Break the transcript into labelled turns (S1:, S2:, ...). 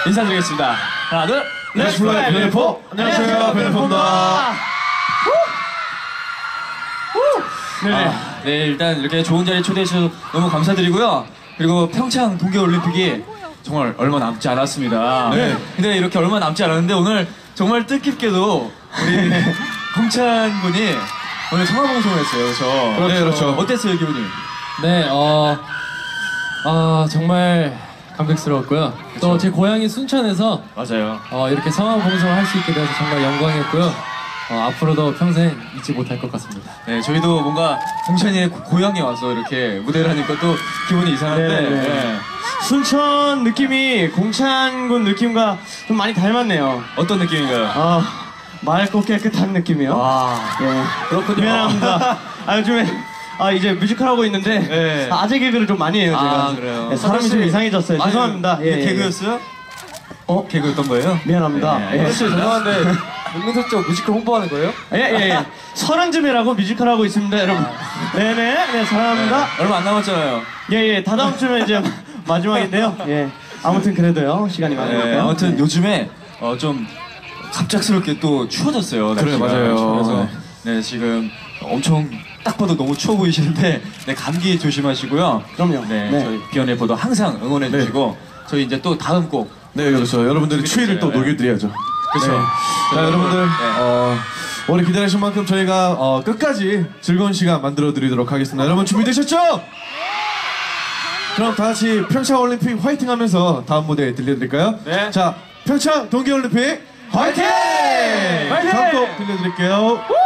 S1: 인사드리겠습니다. 하나, 둘,
S2: 렛츠 플라이 베네포. 안녕하세요, 베네포입니다.
S1: 네, 일단 이렇게 좋은 자리에 초대해 주셔서 너무 감사드리고요. 그리고 평창 동계올림픽이 정말 얼마 남지 않았습니다.
S2: 네.
S1: 근데 이렇게 얼마 남지 않았는데 오늘 정말 뜻깊게도 우리 공찬 군이 오늘 성화봉송을 했어요. 그렇죠?
S2: 네, 그렇죠.
S1: 어땠어요, 기분이?
S3: 네, 정말 감격스러웠고요. 또 제 고향이 순천에서
S1: 맞아요.
S3: 이렇게 성화봉송을 할 수 있게 돼서 정말 영광이었고요. 앞으로도 평생 잊지 못할 것 같습니다.
S1: 네, 저희도 뭔가 공찬이의 고향에 와서 이렇게 무대를 하니까 또 기분이 이상한데. 네.
S2: 순천 느낌이 공찬군 느낌과 좀 많이 닮았네요.
S1: 어떤 느낌인가요?
S2: 맑고 깨끗한 느낌이요.
S1: 와,
S2: 예.
S1: 그렇군요.
S2: 미안합니다. 요즘에 이제 뮤지컬 하고 있는데
S1: 네.
S2: 아재 개그를 좀 많이 해요, 제가.
S1: 그래요.
S2: 네, 사람이 좀 이상해졌어요. 죄송합니다.
S1: 이게 개그였어요? 개그였던 거예요?
S2: 미안합니다.
S1: 네.
S2: 예.
S1: 죄송한데 문명석적 뮤지컬 홍보하는 거예요?
S2: 예. 서른쯤이라고 뮤지컬 하고 있습니다, 여러분. 네, 사랑합니다.
S1: 얼마 안 남았잖아요.
S2: 예, 다다음 주면 이제 마지막인데요. 예. 아무튼 그래도요, 시간이 많으니까요.
S1: 네, 아무튼 요즘에 좀 갑작스럽게 또 추워졌어요.
S2: 그래요,
S1: 날씨가.
S2: 맞아요.
S1: 그래서 네, 지금 엄청 딱 봐도 너무 추워 보이시는데 네, 감기 조심하시고요.
S2: 그럼요.
S1: 네,
S2: 네.
S1: 저희 비연레포도 항상 응원해 주시고 저희 이제 또 다음 곡.
S4: 네, 그렇죠. 여러분들의 추위를 또 녹여드려야죠.
S1: 그렇죠.
S4: 네. 자, 여러분들 오래 기다리신 만큼 저희가 끝까지 즐거운 시간 만들어 드리도록 하겠습니다. 여러분 준비되셨죠? 그럼 다 같이 평창 올림픽 화이팅 하면서 다음 무대 들려드릴까요?
S1: 네.
S4: 자, 평창 동계올림픽 화이팅!
S1: 화이팅!
S4: 다음 곡 들려드릴게요.